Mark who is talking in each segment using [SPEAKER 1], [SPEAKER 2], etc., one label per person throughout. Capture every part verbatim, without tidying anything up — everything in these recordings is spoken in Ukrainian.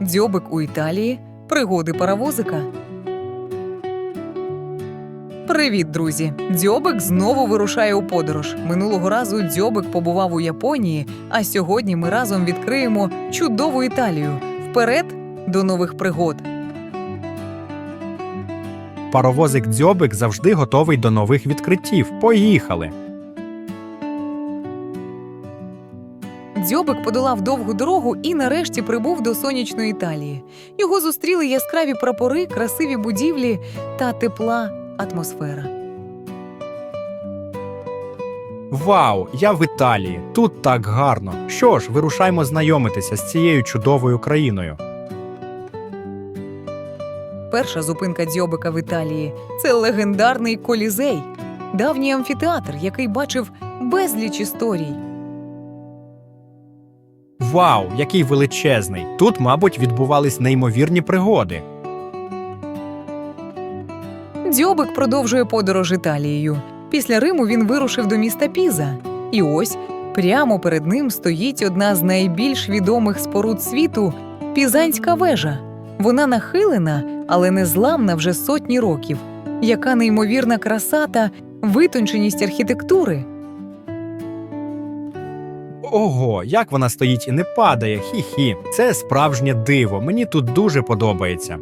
[SPEAKER 1] Дзьобик у Італії. Пригоди паровозика. Привіт, друзі! Дзьобик знову вирушає у подорож. Минулого разу Дзьобик побував у Японії, а сьогодні ми разом відкриємо чудову Італію. Вперед до нових пригод!
[SPEAKER 2] Паровозик Дзьобик завжди готовий до нових відкриттів. Поїхали!
[SPEAKER 1] Дзьобик подолав довгу дорогу і нарешті прибув до сонячної Італії. Його зустріли яскраві прапори, красиві будівлі та тепла атмосфера.
[SPEAKER 2] Вау! Я в Італії! Тут так гарно! Що ж, вирушаймо знайомитися з цією чудовою країною.
[SPEAKER 1] Перша зупинка Дзьобика в Італії – це легендарний Колізей. Давній амфітеатр, який бачив безліч історій.
[SPEAKER 2] Вау! Який величезний! Тут, мабуть, відбувались неймовірні пригоди.
[SPEAKER 1] Дзьобик продовжує подорож Італією. Після Риму він вирушив до міста Піза. І ось, прямо перед ним стоїть одна з найбільш відомих споруд світу – Пізанська вежа. Вона нахилена, але незламна вже сотні років. Яка неймовірна краса та витонченість архітектури!
[SPEAKER 2] Ого, як вона стоїть і не падає, хі-хі. Це справжнє диво, мені тут дуже подобається.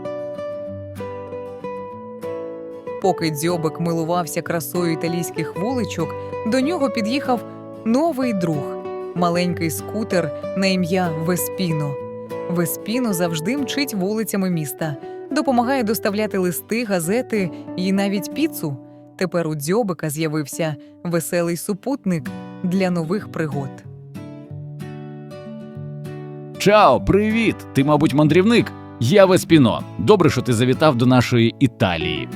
[SPEAKER 1] Поки Дзьобик милувався красою італійських вуличок, до нього під'їхав новий друг – маленький скутер на ім'я Веспіно. Веспіно завжди мчить вулицями міста, допомагає доставляти листи, газети і навіть піцу. Тепер у Дзьобика з'явився веселий супутник для нових пригод.
[SPEAKER 3] Чао, привіт! Ти, мабуть, мандрівник? Я Веспіно. Добре, що ти завітав до нашої Італії.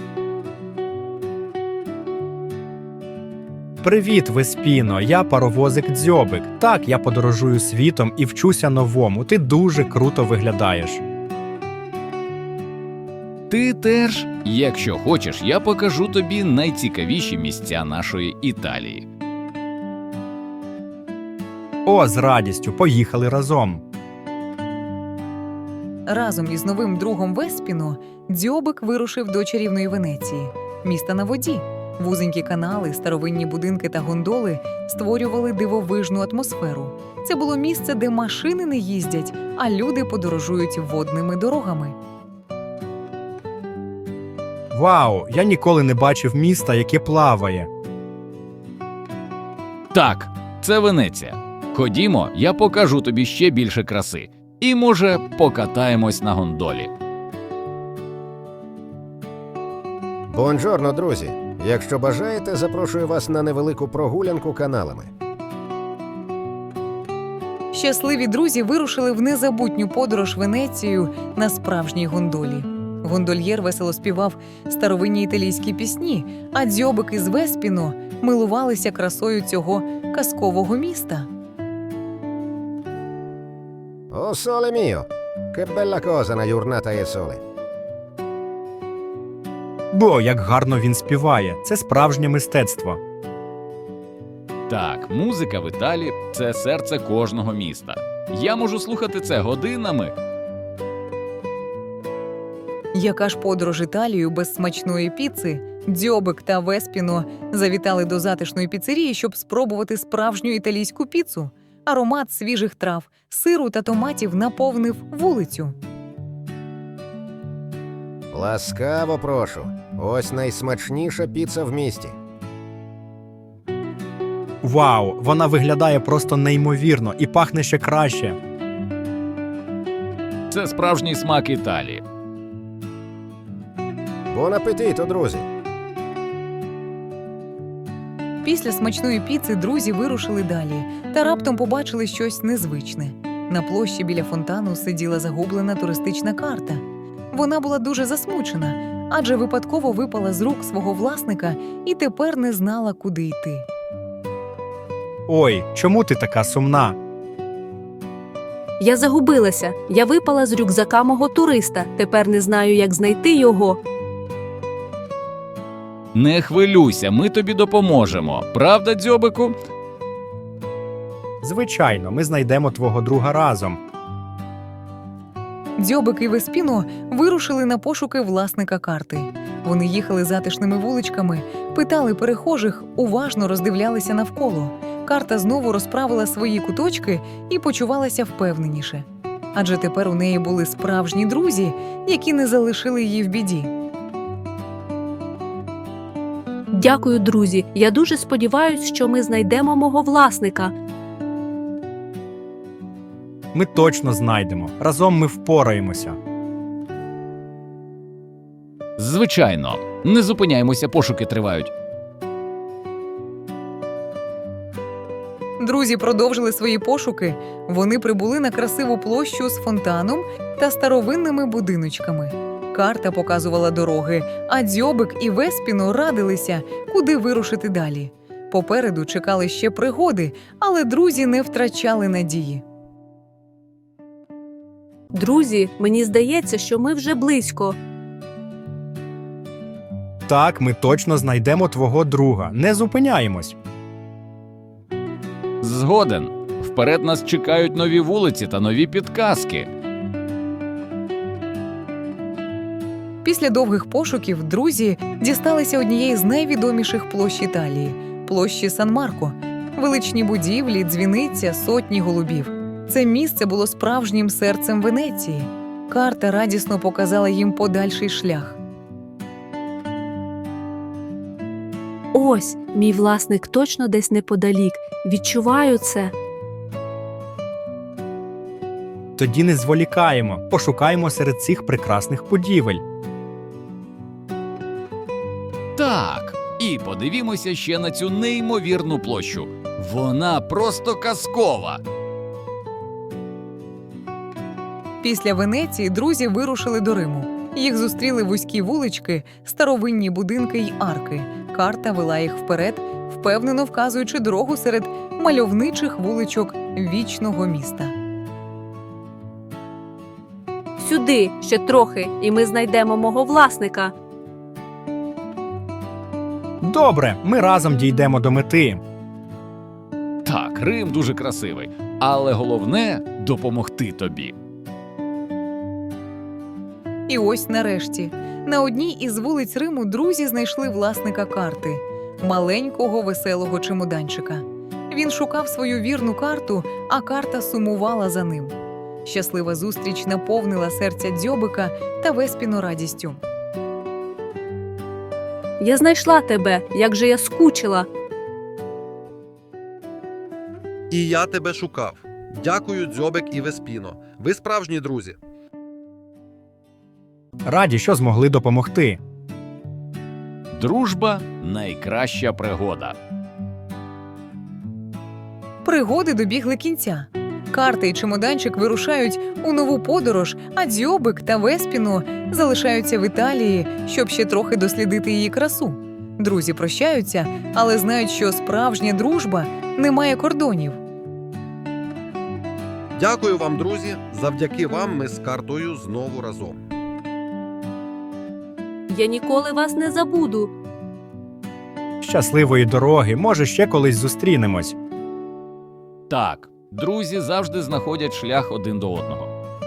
[SPEAKER 2] Привіт, Веспіно, я паровозик Дзьобик. Так, я подорожую світом і вчуся новому. Ти дуже круто виглядаєш.
[SPEAKER 3] Ти теж? Якщо хочеш, я покажу тобі найцікавіші місця нашої Італії.
[SPEAKER 2] О, з радістю, поїхали разом.
[SPEAKER 1] Разом із новим другом Веспіно Дзьобик вирушив до чарівної Венеції – міста на воді. Вузенькі канали, старовинні будинки та гондоли створювали дивовижну атмосферу. Це було місце, де машини не їздять, а люди подорожують водними дорогами.
[SPEAKER 2] Вау, я ніколи не бачив міста, яке плаває.
[SPEAKER 3] Так, це Венеція. Ходімо, я покажу тобі ще більше краси. І, може, покатаємось на гондолі.
[SPEAKER 4] Бонжорно, друзі! Якщо бажаєте, запрошую вас на невелику прогулянку каналами.
[SPEAKER 1] Щасливі друзі вирушили в незабутню подорож Венецією на справжній гондолі. Гондольєр весело співав старовинні італійські пісні, а Дзьобик із Веспіно милувалися красою цього казкового міста.
[SPEAKER 4] О, соле міо! Che bella cosa una giornata e sole!
[SPEAKER 2] Бо, як гарно він співає. Це справжнє мистецтво.
[SPEAKER 3] Так, музика в Італії – це серце кожного міста. Я можу слухати це годинами.
[SPEAKER 1] Яка ж подорож Італією без смачної піци? Дзьобик та Веспіно завітали до затишної піцерії, щоб спробувати справжню італійську піцу. Аромат свіжих трав, сиру та томатів наповнив вулицю.
[SPEAKER 4] Ласкаво прошу! Ось найсмачніша піца в місті.
[SPEAKER 2] Вау, вона виглядає просто неймовірно і пахне ще краще.
[SPEAKER 3] Це справжній смак Італії.
[SPEAKER 4] Бон апетито, друзі!
[SPEAKER 1] Після смачної піци друзі вирушили далі та раптом побачили щось незвичне. На площі біля фонтану сиділа загублена туристична карта. Вона була дуже засмучена, адже випадково випала з рук свого власника і тепер не знала, куди йти.
[SPEAKER 2] Ой, чому ти така сумна?
[SPEAKER 5] Я загубилася. Я випала з рюкзака мого туриста. Тепер не знаю, як знайти його.
[SPEAKER 3] Не хвилюйся, ми тобі допоможемо. Правда, Дзьобику?
[SPEAKER 2] Звичайно, ми знайдемо твого друга разом.
[SPEAKER 1] Дзьобик і Веспіно вирушили на пошуки власника карти. Вони їхали затишними вуличками, питали перехожих, уважно роздивлялися навколо. Карта знову розправила свої куточки і почувалася впевненіше. Адже тепер у неї були справжні друзі, які не залишили її в біді.
[SPEAKER 5] Дякую, друзі. Я дуже сподіваюся, що ми знайдемо мого власника.
[SPEAKER 2] Ми точно знайдемо. Разом ми впораємося.
[SPEAKER 3] Звичайно, не зупиняємося, пошуки тривають.
[SPEAKER 1] Друзі продовжили свої пошуки. Вони прибули на красиву площу з фонтаном та старовинними будиночками. Карта показувала дороги, а Дзьобик і Веспіно радилися, куди вирушити далі. Попереду чекали ще пригоди, але друзі не втрачали надії.
[SPEAKER 5] Друзі, мені здається, що ми вже близько.
[SPEAKER 2] Так, ми точно знайдемо твого друга. Не зупиняємось.
[SPEAKER 3] Згоден. Вперед нас чекають нові вулиці та нові підказки.
[SPEAKER 1] Після довгих пошуків друзі дісталися однієї з найвідоміших площ Італії – площі Сан-Марко. Величні будівлі, дзвіниця, сотні голубів. Це місце було справжнім серцем Венеції. Карта радісно показала їм подальший шлях.
[SPEAKER 5] Ось, мій власник точно десь неподалік. Відчуваю це.
[SPEAKER 2] Тоді не зволікаємо. Пошукаємо серед цих прекрасних будівель.
[SPEAKER 3] Так, і подивімося ще на цю неймовірну площу. Вона просто казкова.
[SPEAKER 1] Після Венеції друзі вирушили до Риму. Їх зустріли вузькі вулички, старовинні будинки й арки. Карта вела їх вперед, впевнено вказуючи дорогу серед мальовничих вуличок вічного міста.
[SPEAKER 5] Сюди, ще трохи, і ми знайдемо мого власника.
[SPEAKER 2] Добре, ми разом дійдемо до мети.
[SPEAKER 3] Так, Рим дуже красивий, але головне – допомогти тобі.
[SPEAKER 1] І ось нарешті. На одній із вулиць Риму друзі знайшли власника карти – маленького веселого чемоданчика. Він шукав свою вірну карту, а карта сумувала за ним. Щаслива зустріч наповнила серця Дзьобика та Веспіно радістю.
[SPEAKER 5] Я знайшла тебе, як же я скучила.
[SPEAKER 6] І я тебе шукав. Дякую, Дзьобик і Веспіно. Ви справжні друзі.
[SPEAKER 2] Раді, що змогли допомогти.
[SPEAKER 3] Дружба – найкраща пригода.
[SPEAKER 1] Пригоди добігли кінця. Карта і чемоданчик вирушають у нову подорож, а Дзьобик та Веспіно залишаються в Італії, щоб ще трохи дослідити її красу. Друзі прощаються, але знають, що справжня дружба не має кордонів.
[SPEAKER 6] Дякую вам, друзі. Завдяки вам ми з картою знову разом.
[SPEAKER 5] Я ніколи вас не забуду.
[SPEAKER 2] Щасливої дороги, може, ще колись зустрінемось.
[SPEAKER 3] Так, друзі завжди знаходять шлях один до одного.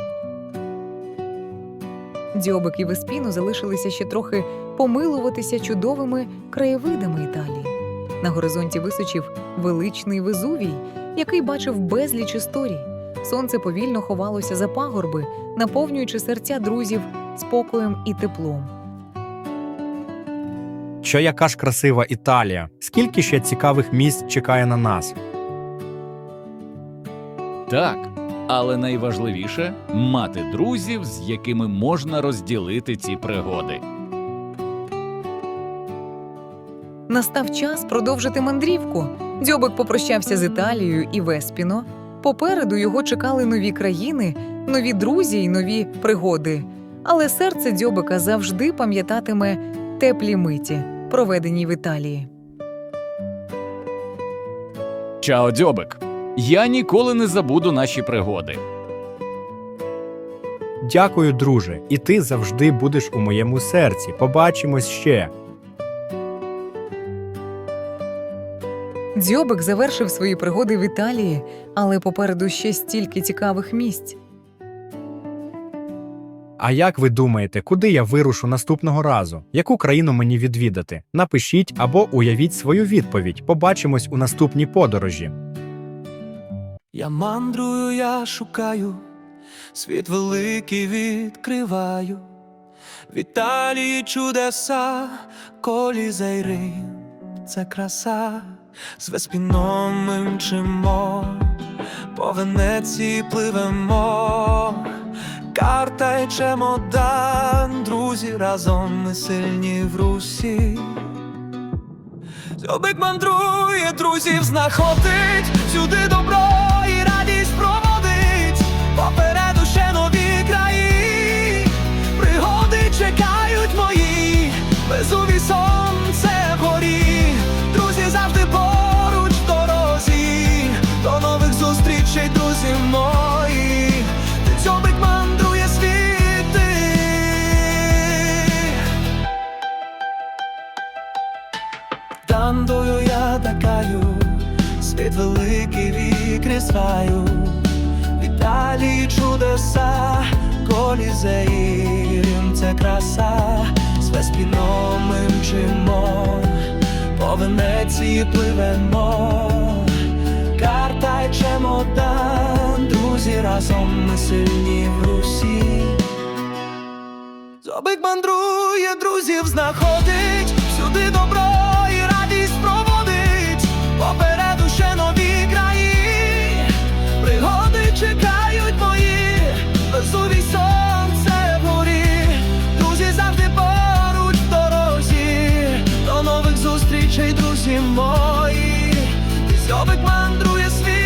[SPEAKER 1] Дзьобик і Веспіно залишилися ще трохи помилуватися чудовими краєвидами Італії. На горизонті височив величний Везувій, який бачив безліч історій. Сонце повільно ховалося за пагорби, наповнюючи серця друзів спокоєм і теплом.
[SPEAKER 2] Що яка ж красива Італія. Скільки ще цікавих місць чекає на нас.
[SPEAKER 3] Так, але найважливіше – мати друзів, з якими можна розділити ці пригоди.
[SPEAKER 1] Настав час продовжити мандрівку. Дзьобик попрощався з Італією і Веспіно. Попереду його чекали нові країни, нові друзі й нові пригоди. Але серце Дзьобика завжди пам'ятатиме теплі миті, проведені в Італії.
[SPEAKER 3] Чао, Дзьобик! Я ніколи не забуду наші пригоди.
[SPEAKER 2] Дякую, друже, і ти завжди будеш у моєму серці. Побачимось ще.
[SPEAKER 1] Дзьобик завершив свої пригоди в Італії, але попереду ще стільки цікавих місць.
[SPEAKER 2] А як ви думаєте, куди я вирушу наступного разу? Яку країну мені відвідати? Напишіть або уявіть свою відповідь. Побачимось у наступній подорожі.
[SPEAKER 7] Я мандрую, я шукаю, світ великий відкриваю. В Італії чудеса, Колізей, Рим – це краса. З Веспіном ми мчимо, по Венеції пливемо. Карта й чемодан, друзі, разом ми сильні в Русі. Дзьобик мандрує, друзів знаходить, всюди добро і радість проводить. Попереду ще нові краї, пригоди чекають мої, Везувій сонце вгорі, друзі завжди поруч в дорозі. До нових зустрічей, друзі мої, дзьобик мандрує світи. Тандою я такаю, світ великий відкриваю. В Італії чудеса, Колізей, Рим – це краса. З Веспіном ми мчимо, по Венеції пливемо. Карта й чемодан, друзі, разом ми сильні в Русі. Дзьобик мандрує, друзів знаходить, всюди добро і радість проводить. Попереду ще нові краї, пригоди чекають мої, Везувій сонце вгорі, друзі завжди поруч в дорозі. До нових зустрічей, друзі мої, дзьобик мандрує світи.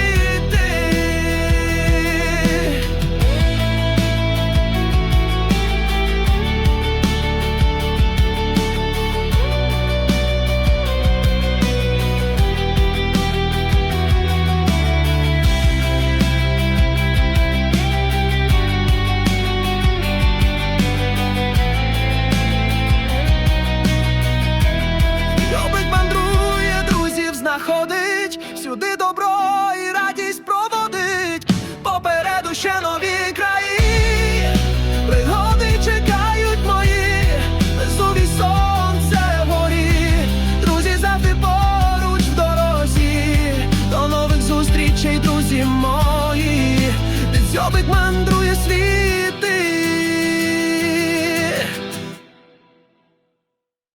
[SPEAKER 7] Знаходить, всюди добро і радість проводить. Попереду ще нові краї, пригоди чекають мої, Везувій сонце вгорі, друзі завжди поруч в дорозі. До нових зустрічей, друзі мої, дзьобик мандрує світ.